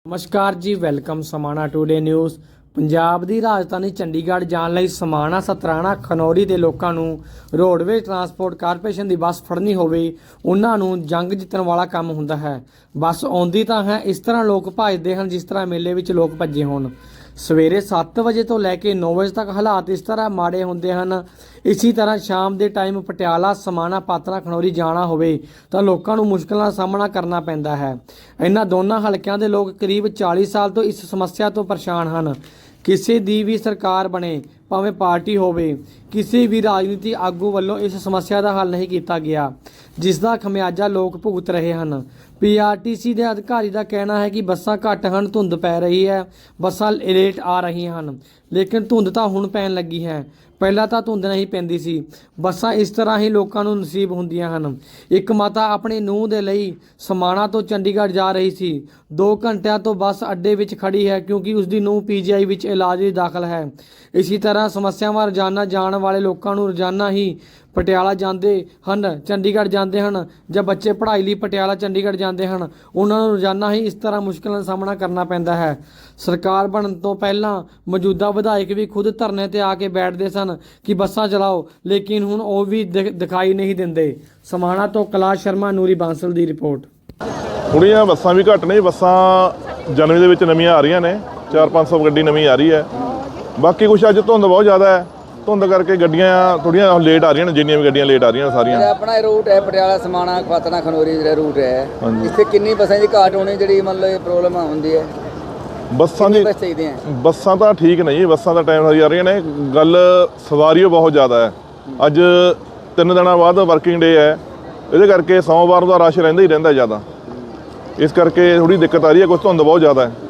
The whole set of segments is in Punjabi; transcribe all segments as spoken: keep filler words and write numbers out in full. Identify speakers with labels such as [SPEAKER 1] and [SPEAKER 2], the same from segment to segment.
[SPEAKER 1] नमस्कार जी, welcome Samana today news. Punjab ਦੀ ਰਾਜਧਾਨੀ ਚੰਡੀਗੜ੍ਹ ਜਾਣ ਲਈ ਸਮਾਣਾ, ਸਤਰਾਣਾ, ਖਨੌਰੀ ਦੇ ਲੋਕਾਂ ਨੂੰ ਰੋਡਵੇਜ਼ ਟਰਾਂਸਪੋਰਟ ਕਾਰਪੋਰੇਸ਼ਨ ਦੀ ਬੱਸ ਫੜਨੀ ਹੋਵੇ ਉਹਨਾਂ ਨੂੰ ਜੰਗ ਜਿੱਤਣ ਵਾਲਾ ਕੰਮ ਹੁੰਦਾ ਹੈ। ਬੱਸ ਆਉਂਦੀ ਤਾਂ ਹੈ, ਇਸ ਤਰ੍ਹਾਂ ਲੋਕ ਭੱਜਦੇ ਹਨ ਜਿਸ ਤਰ੍ਹਾਂ ਮੇਲੇ ਵਿੱਚ ਲੋਕ ਭੱਜੇ ਹੋਣ। ਸਵੇਰੇ ਸੱਤ ਵਜੇ ਤੋਂ ਲੈ ਕੇ ਨੌ ਵਜੇ ਤੱਕ ਹਾਲਾਤ ਇਸ ਤਰ੍ਹਾਂ ਮਾੜੇ ਹੁੰਦੇ ਹਨ। ਇसी तरह शाम के टाइम पटियाला, समाना, पात्रा, खनौरी जाना होवे तो लोगों को मुश्किलों का सामना करना पैंदा है। इन्हां दोनों हलकों के लोग करीब चालीस साल तो इस समस्या तो परेशान हैं। किसी दी भी सरकार बने, भावें पार्टी होवे, किसी भी राजनीति आगू वालों इस समस्या का हल नहीं किया गया, जिसका खमियाजा लोग भुगत रहे हैं। पी आर टी सी के अधिकारी का कहना है कि बसां घट हैं, धुंध पै रही है, बसां लेट आ रही हैं, लेकिन धुंध तो हुण पैन लगी है, पहला तो धुंध नहीं पैंदी सी। बसां इस तरह ही लोगों को नसीब होंदियां हन। एक माता अपने नूह दे लई समाना तो चंडीगढ़ जा रही सी, दो घंटिया तो बस अड्डे विच खड़ी है क्योंकि उसकी नूह पी जी आई विच इलाज ਲਈ दाखिल है। इसी तरह समस्यावां रोजाना जाने वाले लोगों को रोजाना ही पटियाला जाते हैं, चंडीगढ़ जाते हैं, जब बच्चे पढ़ाई लिए पटियाला चंडीगढ़ जाते हैं, उन्होंने रोजाना ही इस तरह मुश्किलों का सामना करना पैंदा है। सरकार बनने तो पहला मौजूदा विधायक भी खुद धरने ते आके बैठते सन कि बसां चलाओ, लेकिन हुण वो भी दिखाई नहीं देंदे। समाना तो कैलाश शर्मा, ਨੂਰੀ ਬਾਂਸਲ ਦੀ रिपोर्ट।
[SPEAKER 2] ਥੋੜ੍ਹੀਆਂ ਬੱਸਾਂ ਵੀ ਘੱਟ ਨੇ। ਬੱਸਾਂ ਜਨਵਰੀ ਦੇ ਵਿੱਚ ਨਵੀਆਂ ਆ ਰਹੀਆਂ ਨੇ, ਚਾਰ ਪੰਜ ਸੌ ਗੱਡੀ ਨਵੀਂ ਆ ਰਹੀ ਹੈ। ਬਾਕੀ ਕੁਛ ਅੱਜ ਧੁੰਦ ਬਹੁਤ ਜ਼ਿਆਦਾ ਹੈ, ਧੁੰਦ ਕਰਕੇ ਗੱਡੀਆਂ ਥੋੜ੍ਹੀਆਂ ਲੇਟ ਆ ਰਹੀਆਂ ਨੇ। ਜਿੰਨੀਆਂ ਵੀ ਗੱਡੀਆਂ ਲੇਟ ਆ ਰਹੀਆਂ ਨੇ ਸਾਰੀਆਂ।
[SPEAKER 3] ਆਪਣਾ रूट है पटियाला, समाना, पात्रा, खनौरी ਜਿਹੜਾ रूट है, ਇੱਥੇ ਕਿੰਨੀ ਬੱਸਾਂ ਦੀ ਘਾਟ ਹੋਣੀ ਜਿਹੜੀ ਮਤਲਬ ਪ੍ਰੋਬਲਮ ਹੁੰਦੀ ਹੈ? ਬੱਸਾਂ ਦੀ
[SPEAKER 2] ਬੱਸਾਂ ਤਾਂ ਠੀਕ ਨਹੀਂ, ਬੱਸਾਂ ਦਾ ਟਾਈਮ ਸਾਰੀ ਆ ਰਹੀਆਂ ਨੇ। ਗੱਲ ਸਵਾਰੀ ਬਹੁਤ ਜ਼ਿਆਦਾ ਹੈ। ਅੱਜ ਤਿੰਨ ਦਿਨਾਂ ਬਾਅਦ ਵਰਕਿੰਗ ਡੇ ਹੈ, ਇਹਦੇ ਕਰਕੇ ਸੋਮਵਾਰ ਦਾ ਰਸ਼ ਰਹਿੰਦਾ ਹੀ ਰਹਿੰਦਾ ਜ਼ਿਆਦਾ। ਇਸ ਕਰਕੇ ਥੋੜੀ ਦਿੱਕਤ ਆ ਰਹੀ ਹੈ। ਕੁਛ ਧੁੰਦ ਬਹੁਤ ਜ਼ਿਆਦਾ ਹੈ,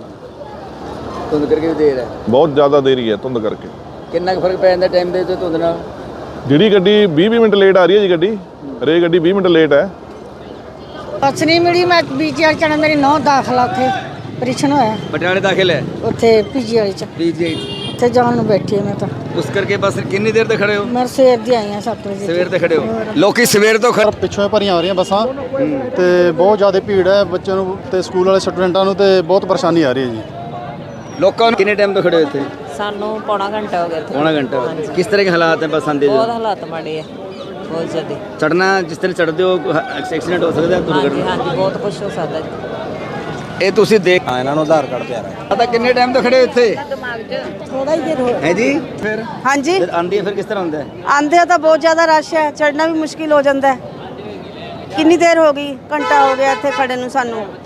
[SPEAKER 3] ਧੁੰਦ ਕਰਕੇ ਵੀ ਦੇਰ ਹੈ,
[SPEAKER 2] ਬਹੁਤ ਜ਼ਿਆਦਾ ਦੇਰੀ ਹੈ ਧੁੰਦ ਕਰਕੇ।
[SPEAKER 3] ਕਿੰਨਾ ਕੁ ਫਰਕ ਪੈ ਜਾਂਦਾ ਟਾਈਮ ਦੇ ਤੇ ਧੁੰਦ ਨਾਲ?
[SPEAKER 2] ਜਿਹੜੀ ਗੱਡੀ ਵੀਹ ਵੀਹ ਮਿੰਟ ਲੇਟ ਆ ਰਹੀ ਹੈ ਜੀ, ਗੱਡੀ ਰੇ ਗੱਡੀ ਵੀਹ ਮਿੰਟ ਲੇਟ ਹੈ।
[SPEAKER 4] ਬੱਸ ਨਹੀਂ ਮਿਲੀ। ਮੈਂ ਪੀਜੀਆਈ ਚਣਾ, ਮੇਰੀ ਨੌ ਦਾਖਲਾ ਉੱਥੇ ਆਪਰੇਸ਼ਨ ਹੋਇਆ।
[SPEAKER 3] ਪਟਿਆਲੇ ਦਾਖਲ ਹੈ
[SPEAKER 4] ਉੱਥੇ ਪੀਜੀਆਈ ਚ
[SPEAKER 3] ਪੀਜੀਆਈ
[SPEAKER 4] ਉੱਥੇ ਜਾਣ ਨੂੰ ਬੈਠੀ ਹਾਂ ਮੈਂ ਤਾਂ।
[SPEAKER 3] ਉਸ ਕਰਕੇ ਬਸ ਕਿੰਨੀ ਦੇਰ ਤੇ ਖੜੇ ਹੋ?
[SPEAKER 4] ਮੈਂ ਸਵੇਰ ਦੀ ਆਈ ਹਾਂ, ਸੱਤ ਵਜੇ
[SPEAKER 3] ਸਵੇਰ ਤੇ ਖੜੇ ਹੋ। ਲੋਕੀ ਸਵੇਰ ਤੋਂ ਖੜੇ
[SPEAKER 5] ਪਿੱਛੋਂ ਭਰੀਆਂ ਆ ਰਹੀਆਂ ਬੱਸਾਂ ਤੇ ਬਹੁਤ ਜ਼ਿਆਦਾ ਭੀੜ ਹੈ। ਬੱਚਿਆਂ ਨੂੰ ਤੇ ਸਕੂਲ ਵਾਲੇ ਸਟੂਡੈਂਟਾਂ ਨੂੰ ਤੇ ਬਹੁਤ ਪਰੇਸ਼ਾਨੀ ਆ ਰਹੀ ਹੈ ਜੀ।
[SPEAKER 3] ਲੋਕਾਂ ਨੂੰ ਕਿੰਨੇ ਟਾਈਮ ਤੋਂ ਖੜੇ ਹੋ ਇੱਥੇ?
[SPEAKER 6] ਸਾਨੂੰ ਪੌਣਾ ਘੰਟਾ ਹੋ ਗਿਆ ਇੱਥੇ।
[SPEAKER 3] ਪੌਣਾ ਘੰਟਾ। ਕਿਸ ਤਰ੍ਹਾਂ ਦੇ ਹਾਲਾਤ ਹੈ ਬੱਸਾਂ ਦੇ?
[SPEAKER 6] ਬਹੁਤ ਹਾਲਾਤ ਮਾੜੇ ਆ, ਬਹੁਤ ਜ਼ਿਆਦਾ।
[SPEAKER 3] ਚੜਨਾ ਜਿਸ ਤਰ੍ਹਾਂ ਚੜਦੇ ਹੋ ਐਕਸੀਡੈਂਟ ਹੋ ਸਕਦਾ ਹੈ,
[SPEAKER 6] ਹਾਂਜੀ
[SPEAKER 3] ਦੁਰਘਟਨਾ।
[SPEAKER 6] ਹਾਂਜੀ, ਬਹੁਤ ਕੁਛ ਹੋ ਸਕਦਾ ਜੀ।
[SPEAKER 3] ਇਹ ਤੁਸੀਂ ਦੇਖ
[SPEAKER 5] ਹਾਂ, ਇਹਨਾਂ ਨੂੰ ਆਧਾਰ ਕਾਰਡ ਪਿਆਰਾ ਹੈ।
[SPEAKER 3] ਪਤਾ ਕਿੰਨੇ ਟਾਈਮ ਤੋਂ ਖੜੇ ਹੋ ਇੱਥੇ?
[SPEAKER 4] ਥੋੜਾ ਹੀ ਦੇਰ ਹੋ
[SPEAKER 3] ਹੈ ਜੀ। ਫਿਰ
[SPEAKER 4] ਹਾਂਜੀ,
[SPEAKER 3] ਜਦ ਆਂਦੀ ਹੈ ਫਿਰ ਕਿਸ ਤਰ੍ਹਾਂ ਹੁੰਦਾ ਹੈ?
[SPEAKER 4] ਆਂਦੇ ਆ ਤਾਂ ਬਹੁਤ ਜ਼ਿਆਦਾ ਰਸ਼ ਹੈ, ਚੜਨਾ ਵੀ ਮੁਸ਼ਕਿਲ ਹੋ ਜਾਂਦਾ ਹੈ। ਕਿੰਨੀ ਦੇਰ ਹੋ ਗਈ? ਘੰਟਾ ਹੋ ਗਿਆ ਇੱਥੇ ਖੜੇ ਨੂੰ ਸਾਨੂੰ।